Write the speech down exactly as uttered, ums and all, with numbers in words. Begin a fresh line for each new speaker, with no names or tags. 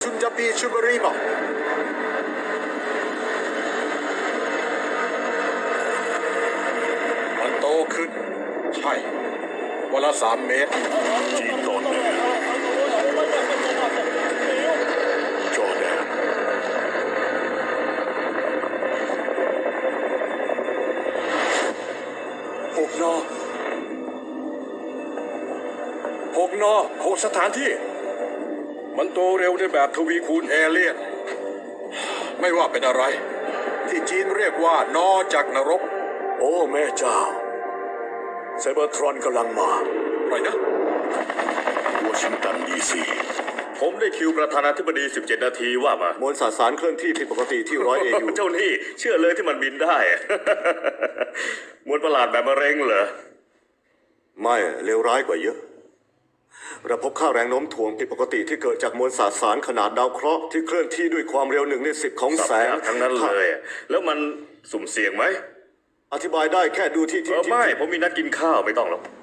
ซุนจาปีชูบรีบอกมันโตขึ้นใช่วันละสามเมตร
จีนตอนเหนือจอร์แดน
หกนอหกนอหกสถานที่
มันโตเร็วในแบบทวีคูณเอเลี่ยนไม่ว่าเป็นอะไรที่จีนเรียกว่านอจากนรก
โอ้แม่เจ้าไซเบอร์ทรอนกำลังมา
อะไรนะ
วอชิงตันดีซี
ผมได้คิวประธานาธิบดีสิบเจ็ดนาทีว่ามาม
วลสสารเคลื่อนที่ผิดปกติที่ร้อยเอยู
เจ้านี่เชื่อเลยที่มันบินได้ มวลประหลาดแบบมะเร็งเหรอ
ไม่เลวร้ายกว่าเยอะเราพบค่าแรงโน้มถ่วงผิดปกติที่เกิดจากมวลสสารขนาดดาวเคราะห์ที่เคลื่อนที่ด้วยความเร็วหนึ่งในสิบของแสง
ทั้งนั้นเลย แล้วมันสุ่มเสี่ยงไหม
อธิบายได้แค่ดูที่ที่
เออไม่ ผมมีนัดกินข้าวไม่ต้องหรอก